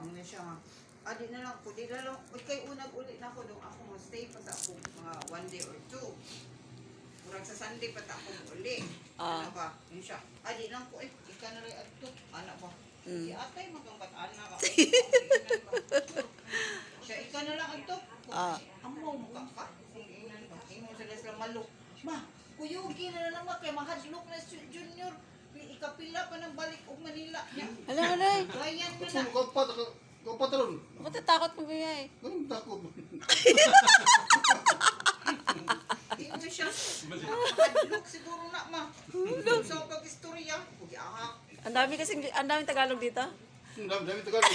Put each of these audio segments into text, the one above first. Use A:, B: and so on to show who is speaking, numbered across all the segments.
A: Amo na siya nga. Di na lang ko, di na lang, kay unag ulit na ako doon, ako mo stay pa sa ako mga 1 day or 2. Murag sa Sunday pa ta ako uli. Ano ba? Yun siya. Di lang ko, ika na rin ato. Anak ba? Si atay magkampat anak ako. Siya, ika na lang ato. Amo mo ka? Imo sila maluk. Ma, kuyugi na naman kay mahadlok na si Junior. Ikapila pa ng balik og Manila niya.
B: Hala.
A: Bayan mo na.
C: Kau patron.
B: Matatakot mo ba
C: Ganun takot.
A: Imo siya. Mahadlok siguro na ma. Sa pag-istorya. Ugi ahak.
B: Ang daming Tagalog dito.
C: Dami Tagalog.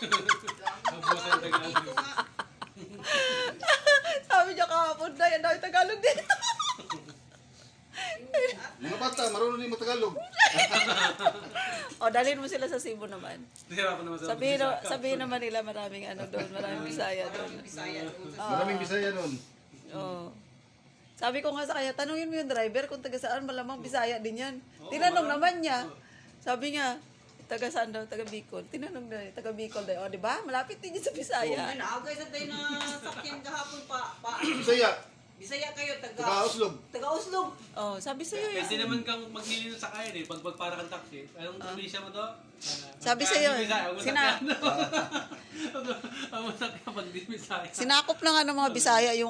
A: Dito nga.
B: Sabi niya kahapon na, ang daming Tagalog dito.
C: Mga bata, marunong din Tagalog.
B: O, dalhin mo sila sa Cebu naman.
D: Nahirapan naman sa
B: Sabihin naman nila maraming doon, maraming Bisaya doon.
A: Bisaya doon.
C: Maraming Bisaya nun.
B: Oo. Sabi ko nga sa kanya, tanungin mo yung driver kung taga saan, malamang Bisaya din yan. Tinanong naman niya. Sabi niya, taga saan daw, taga Bicol. Tinanong na, taga Bicol daw. O, di ba? Malapit din yun sa Bisaya.
A: Ay, naagay sa tayo na sakyan kahapon pa.
C: Bisaya.
A: Bisaya kayo,
C: Taga-Uslog.
A: Taga-Uslog.
B: Oh, sabi sa'yo
D: Pwede
B: yun.
D: naman kang magnili ng sakayan eh. Pag para kang taxi. Anong probinsya mo to?
B: Sabi sa'yo,
D: Ang masakyan pag di Bisaya.
B: sinakop na nga ng mga Bisaya yung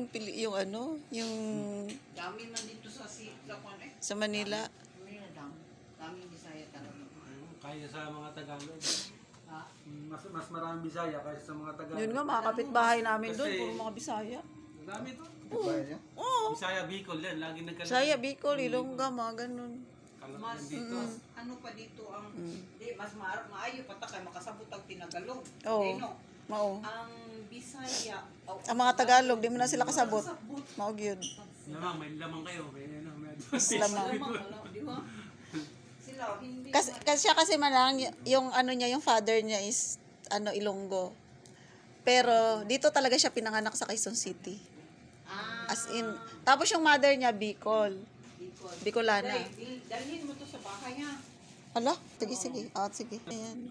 A: Dami man dito sa Lakwan eh.
B: sa Manila.
A: Daming Bisaya talaga.
D: Kaya sa mga Tagalog.
A: Ha?
D: Mas maraming Bisaya kaysa sa mga Tagalog.
B: Yun nga, mga kapitbahay namin doon,
D: Kasi-
B: puro mga Bisaya.
D: Ang dami to.
C: Bisaya niya.
B: Oo.
D: Bisaya, Bicol yan. Lagi nagkalang.
B: Bisaya, Bicol, Ilongga, mga ganun.
A: Mas,
D: dito.
A: ano pa dito ang, di, mas maayo pa ta kay makasabot ang Tinagalog.
B: Oo.
A: Di, no?
B: Mao.
A: Ang Bisaya,
B: Ang mga Tagalog, di mo na sila kasabot. Mao gyud.
D: Lamang, may lamang kayo. May
B: Lamang.
A: Di ba? Sila, hindi.
B: Kasi malang yung ano niya, yung father niya is Ilonggo. Pero dito talaga siya pinanganak sa Quezon City. As in, tapos yung mother niya Bicol. Bicolana.
A: Dalhin mo to sa bahay ha.
B: Hala, sige. Sige.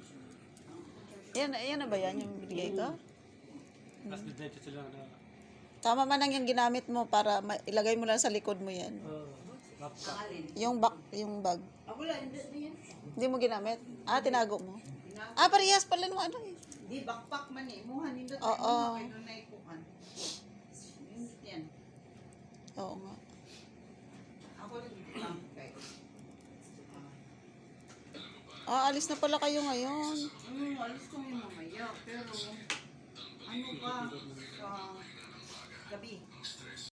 B: Ayan na ba yan yung binigay ko?
D: Tapos diretso sila na.
B: Tama man lang yung ginamit mo para ilagay mo lang sa likod mo yan.
A: Alin?
B: Yung bag.
A: Wala, hindi yan.
B: Hindi mo ginamit? Tinago mo. Parehas pala nung ano eh.
A: Di, backpack man eh. Muhan, hindi tayo
B: Oo.
A: kayo na ikuhan. Yan.
B: Oo nga.
A: Ako rin lang kayo.
B: Alis na pala kayo ngayon.
A: Alis ko yung mamaya. Pero, ano pa, sa gabi.